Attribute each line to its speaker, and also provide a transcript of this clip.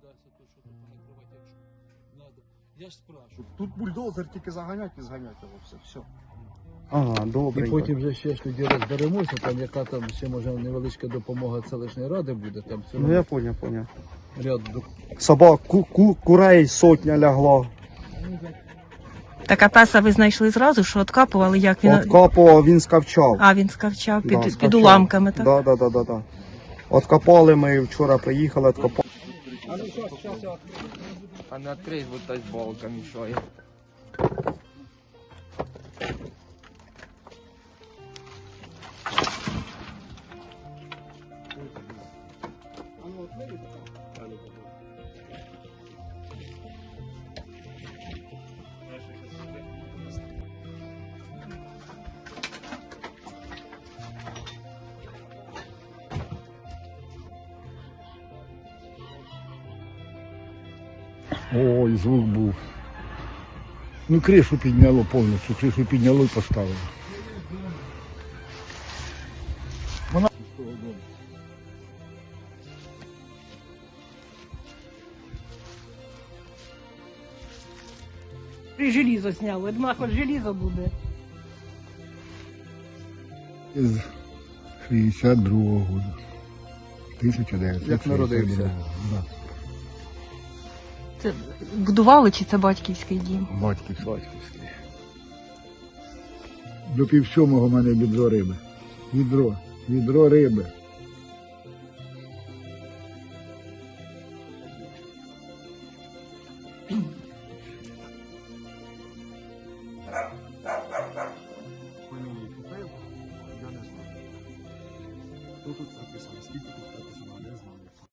Speaker 1: то що тут накривати, якщо треба. Я ж спрашиваю.
Speaker 2: Тут бульдозер тільки заганять і зганять його все.
Speaker 3: Ага, добре.
Speaker 1: І потім вже ще ж тоді розберемося, там яка там ще може невеличка допомога селищної ради буде, там все
Speaker 3: Ну я поняв.
Speaker 1: ряд
Speaker 3: Собак, курей сотня лягла.
Speaker 4: Так, а песа ви знайшли зразу, що откапували, як він?
Speaker 3: Откапував, він скавчав.
Speaker 4: А, він скавчав під,
Speaker 3: скавчав.
Speaker 4: під уламками, так?
Speaker 3: Да. Откопали ми, вчора приїхали, откопали.
Speaker 5: А не відкрий, вот та балка мішає.
Speaker 2: Ой, звук був. Ну, кришу підняло повністю, кришу підняло і поставило. Вона...
Speaker 4: Желізо зняли, я думала, хоч желізо буде.
Speaker 2: З 62-го року. 1962
Speaker 1: Як народився?
Speaker 2: Да.
Speaker 4: Це будували чи це батьківський дім?
Speaker 2: Батьківський. До півсьомого в мене відро риби. Відро риби. Хто тут прописано? Скільки тут